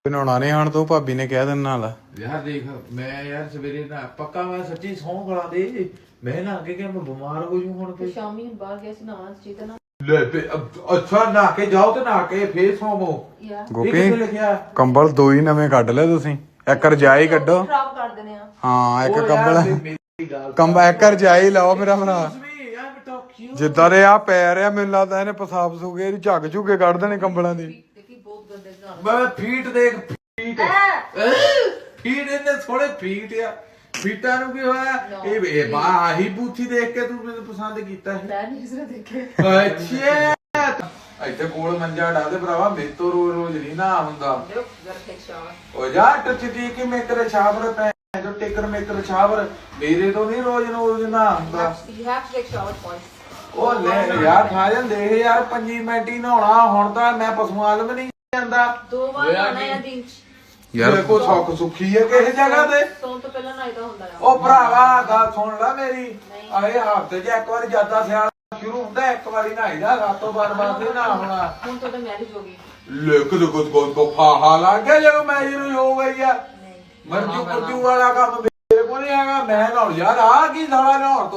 ਬਣਾਉਣਾ ਨਹੀਂ ਹਣ ਤੂੰ ਭਾਬੀ ਨੇ ਕਹਿ ਦੇਣ ਨਾਲ ਯਾਰ ਦੇਖ ਮੈਂ ਯਾਰ ਸਵੇਰੇ ਨਾ ਪੱਕਾ ਮੈਂ ਸੱਚੀ ਸੌਂ ਖਲਾ ਦੇ ਮੈਂ ਨਾ ਅੱਗੇ ਕਿ ਮੈਂ ਬਿਮਾਰ ਹੋ ਜੂ ਹੁਣ ਤੇ ਸ਼ਾਮੀ ਬਾਹਰ ਗਿਆ ਸੀ ਨਾ ਚੇਤਨਾ ਲੈ ਅੱਛਾ ਨਹਾ ਕੇ ਜਾਓ ਤੇ ਨਹਾ ਕੇ ਫੇਰ ਸੌਵੋ ਯਾਰ ਗੋਪੀ ਲਿਖਿਆ ਕੰਬਲ ਦੋ ਹੀ ਨਵੇਂ ਕੱਢ ਲੈ ਤੁਸੀਂ ਇੱਕ ਰਜਾਈ ਕੱਢੋ ਖਰਾਬ ਕਰ ਦੇਣੇ ਆ ਹਾਂ ਇੱਕ ਉਹ ਯਾਰ ਕੰਬਲ ਮੇਰੀ ਗੱਲ ਕੰਬਲ ਇੱਕ ਰਜਾਈ ਲਾਓ ਮੇਰਾ ਭਰਾ ਯਾਰ ਬੇਟਾ ਕਿਉਂ ਜਿੱਦਾਂ ਦੇ ਆ ਪੈ ਰਿਹਾ ਮੈਨੂੰ ਲੱਗਦਾ ਇਹਨੇ ਪਸਾਬ ਸੂਗੇ ਇਹਦੀ ਝੱਗ ਝੁੱਗੇ ਕੱਢ ਦੇਣੇ ਕੰਬਲਾਂ ਦੀ ਦੇਖੀ ਬਹੁਤ ਗੰਦੇ ਨਾਲ ਮੈਂ ਫੀਟ ਦੇਖ ਫੀਟ ਫੀਟ ਇਹਨੇ ਥੋੜੇ ਫੀਟ ਆ ਫੀਟਾਂ ਨੂੰ ਕੀ ਹੋਇਆ ਇਹ ਬਾ ਆਹੀ ਬੂਥੀ ਦੇਖ ਕੇ ਤੂੰ ਮੈਨੂੰ ਪਸੰਦ ਕੀਤਾ ਹੈ ਮੈਂ ਨਹੀਂ ਕਿਸੇ ਦੇਖੇ ਅੱਛਾ ਇੱਥੇ ਕੋਲ ਮੰਜਾ ਡਾ ਦੇ ਭਰਾਵਾ ਮੇਰੇ ਤੋਂ ਰੋਜ਼ ਰੋਜ਼ ਨਹੀਂ ਨਾ ਹੁੰਦਾ ਦੇਖੋ ਜਰਾ ਟੇਕ ਸ਼ਾਟ ਉਹ ਜਾ ਟੱਚ ਦੀ ਕਿ ਮੈਂ ਤੇਰੇ ਛਾਵਰ ਪੈ ਜੋ ਟੇਕਰ ਮੇਕਰ ਛਾਵਰ ਮੇਰੇ ਤੋਂ ਨਹੀਂ ਰੋਜ਼ ਰੋਜ਼ ਨਾ ਹੁੰਦਾ you have to take shower twice ਉਹ ਲੈ ਯਾਰ ਠਾਜਨ ਦੇਖ ਯਾਰ 5 ਮਿੰਟ ਹੀ ਨਹਾਉਣਾ ਹੁਣ ਤਾਂ ਮੈਂ ਪਸ਼ੂਆਂ ਵੱਲ ਵੀ ਨਹੀਂ ਜਾਂਦਾ ਦੋ ਵਾਰ ਆਣਾ ਹੈ ਦਿਨ ਚ ਯਾਰ ਕੋ ਸੁੱਖ ਸੁੱਖੀ ਹੈ ਕਿਸੇ ਜਗ੍ਹਾ ਤੇ ਸੌਣ ਤੋਂ ਪਹਿਲਾਂ ਨਾਈਦਾ ਹੁੰਦਾ ਆ ਉਹ ਭਰਾਵਾ ਗੱਲ ਸੁਣ ਲੈ ਮੇਰੀ ਆਏ ਹਫਤੇ 'ਚ ਇੱਕ ਵਾਰੀ ਜਿਆਦਾ ਸਿਆਲ ਸ਼ੁਰੂ ਹੁੰਦਾ ਇੱਕ ਵਾਰੀ ਨਹਾਈਦਾ ਰਾਤੋਂ ਬਾਰ ਨਹੀਂ ਨਾ ਹੋਣਾ ਹੁਣ ਤੁਹਾਡਾ ਮੈਰਿਜ ਹੋ ਗਈ ਲੇਕ ਲੁਕ ਕੋ ਫਾਹਾ ਲੱਗ ਗਿਆ ਜਦੋਂ ਮੈਰਿਜ ਹੋ ਗਈ ਆ ਨਹੀਂ ਮਰਜੂ ਕੁਰਜੂ ਵਾਲਾ ਕੰਮ ਮੇਰੇ ਕੋਲ ਨਹੀਂ ਹੈਗਾ ਮੈਂ ਨਹਾਉਣ ਯਾਰ ਆ ਕੀ ਸਾਲਾ ਨਹਾਉਣ ਤੋਂ